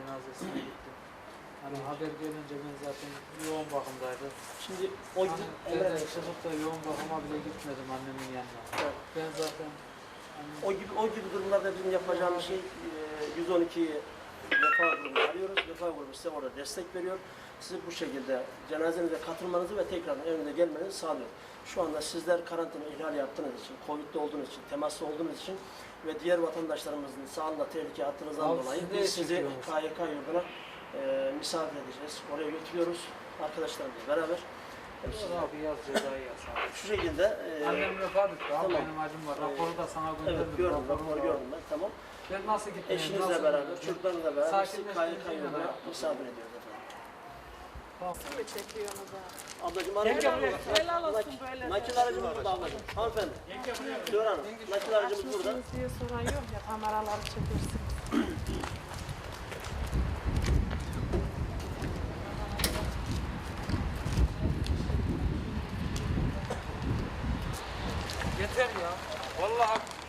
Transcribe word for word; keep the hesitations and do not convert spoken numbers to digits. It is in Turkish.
cenazesine gittim. Hani haber gelince ben zaten yoğun bakımdaydım. Şimdi o Hani gün evden çıkıp da yoğun bakıma bile gitmedim annemin yanına. Evet. Ben zaten hani, o gibi o gibi durumlarda bizim yapacağımız şey e, yüz on ikiyi Vefa grubunu arıyoruz. Vefa grubu size orada destek veriyor. Sizi bu şekilde cenazenize katılmanızı ve tekrar evinize gelmenizi sağlıyor. Şu anda sizler karantina ihlal yaptığınız için, Covid'de olduğunuz için, temaslı olduğunuz için ve diğer vatandaşlarımızın sağlığında tehlike attığınızdan Abi dolayı siz de biz sizi çekiyorsunuz. K Y K yurduna e, misafir edeceğiz. Oraya götürüyoruz arkadaşlarımızla beraber. Hepsi- "Yok abi yaz cezayı yaz abi." Şu şekilde e, Annem vefat etti abi, tamam. benim acım var. Raporu da sana gönderdim. evet gördüm, raporu raporu var. gördüm ben, tamam. Ben nasıl gitmeyeyim? Eşinizle nasıl beraber, gideyim? çocuklarınızla beraber sizi K Y K Sakinleştirmeyle yurduna beraber. misafir ediyoruz efendim. Tamam. mi çekiyorsunuz ha? Ablacığım Helal aracımız olsun, helal olsun böyle. Nakil aracımız burada ablacığım. Hanımefendi. Diyor hanım. Nakil aracımız burada. Açmışsınız diye soran yok ya, kameraları çekersin. Yeter ya. Vallahi